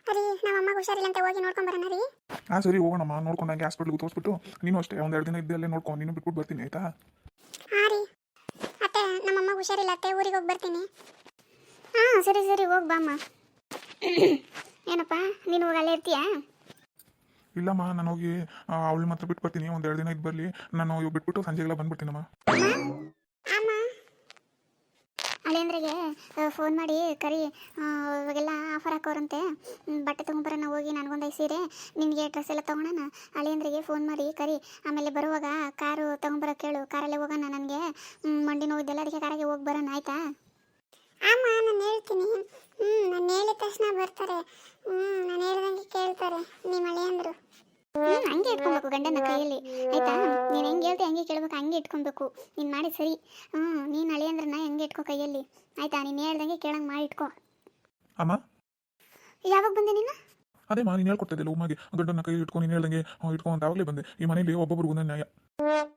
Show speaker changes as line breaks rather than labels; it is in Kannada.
ರೀ ನಮ್ಮ ಅಮ್ಮಗೆ ಹುಷಾರಿಲ್ಲ ಅಂತ ಹೋಗಿ ನೋಡ್ಕೊಂಡ್ ಬರೋಣ ರೀ.
ಹಾಂ ಸರಿ ಹೋಗೋಣಮ್ಮ, ನೋಡ್ಕೊಂಡಂಗೆ ಹಾಸ್ಪಿಟ್ಲಿಗೆ ತೋರಿಸ್ಬಿಟ್ಟು ನೀನು ಅಷ್ಟೇ ಒಂದೆರಡು ದಿನ ಇದ್ದಲ್ಲೇ ನೋಡ್ಕೊಂಡು ನೀನು ಬಿಟ್ಬಿಟ್ಟು ಬರ್ತೀನಿ ಆಯಿತಾ?
ಹಾಂ ರೀ ಅತ್ತೆ, ನಮ್ಮ ಅಮ್ಮಗೆ ಹುಷಾರಿಲ್ಲ ಅತ್ತೆ, ಊರಿಗೆ ಹೋಗಿ ಬರ್ತೀನಿ. ಹಾಂ ಸರಿ ಸರಿ ಹೋಗಿ ಬಾಮ್ಮ. ಏನಪ್ಪ ನೀನು ಹೋಗಿ ಅಲ್ಲೇ ಇರ್ತೀಯಾ?
ಇಲ್ಲಮ್ಮ, ನಾನು ಹೋಗಿ ಅವಳು ಮಾತ್ರ ಬಿಟ್ಟು ಬರ್ತೀನಿ, ಒಂದೆರಡು ದಿನ ಇದ್ದು ಬರಲಿ. ನಾನು ಇವಾಗ ಬಿಟ್ಬಿಟ್ಟು ಸಂಜೆಗೆಲ್ಲ ಬಂದ್ಬಿಡ್ತೀನಮ್ಮ.
ಅಮ್ಮ ಅಳಿಯಂದ್ರಿಗೆ ಫೋನ್ ಮಾಡಿ ಕರಿ, ಇವಾಗೆಲ್ಲ ಆಫರ್ ಹಾಕೋರಂತೆ, ಬಟ್ಟೆ ತೊಗೊಂಬರೋಣ ಹೋಗಿ, ನನಗೊಂದು 5 ಸೀರೆ, ನಿನಗೆ ಡ್ರೆಸ್ ಎಲ್ಲ ತೊಗೊಳೋಣ. ಅಳಿಯಂದ್ರಿಗೆ ಫೋನ್ ಮಾಡಿ ಕರಿ, ಆಮೇಲೆ ಬರುವಾಗ ಕಾರು ತೊಗೊಂಬರೋ ಕೇಳು, ಕಾರಲ್ಲೇ ಹೋಗೋಣ. ನನಗೆ ಮಂಡಿ ನೋವಿದ್ದೆಲ್ಲ, ಅದಕ್ಕೆ ಕಾರಾಗೆ ಹೋಗಿ ಬರೋಣ ಆಯಿತಾ? ಅಮ್ಮ ನಾನು ಹೇಳ್ತೀನಿ. ನಾನು ಹೇಳಿದ ತಕ್ಷಣ ಬರ್ತಾರೆ. ನಾನು ಹೇಳ್ದಂಗೆ ಕೇಳ್ತಾರೆ ನಿಮ್ಮ ಅಳಿಯಂದ್ರು. ಹಂಗೆ ಇಟ್ಕೊಬೇಕು ಗಂಡನ ಕೈಯಲ್ಲಿ ಆಯ್ತಾ? ನೀನು ಹೆಂಗೆ ಹೇಳ್ತಿ ಹಂಗೆ ಕೇಳ್ಬೇಕು, ಹಂಗೆ ಇಟ್ಕೊಬೇಕು. ನೀನು ಮಾಡಿ ಸರಿ. ನೀನು ಅಳಿಯಂದ್ರನ್ನ ಹೆಂಗೆ ಇಟ್ಕೋ ಕೈಯಲ್ಲಿ ಆಯ್ತಾ? ನೀನು ಹೇಳ್ದಂಗೆ ಕೇಳಂಗೆ ಮಾಡಿ ಇಟ್ಕೋ.
ಅಮ್ಮ
ಯಾವಾಗ ಬಂದೆ ನೀನು?
ಅದೇ ನೀನು ಹೇಳ್ಕೊಡ್ತಿದ್ದಿಲ್ಲ ಉಮ್ಮಗೆ, ಗಂಡನ ಕೈ ಇಟ್ಕೊಂಡು ನೀನು ಹೇಳ್ದಂಗೆ ಇಟ್ಕೊ ಅಂತ ಆವಾಗಲೇ ಬಂದೆ. ಈ ಮನೇಲಿ ಒಬ್ಬೊಬ್ರಿಗೂ ನ್ಯಾಯ.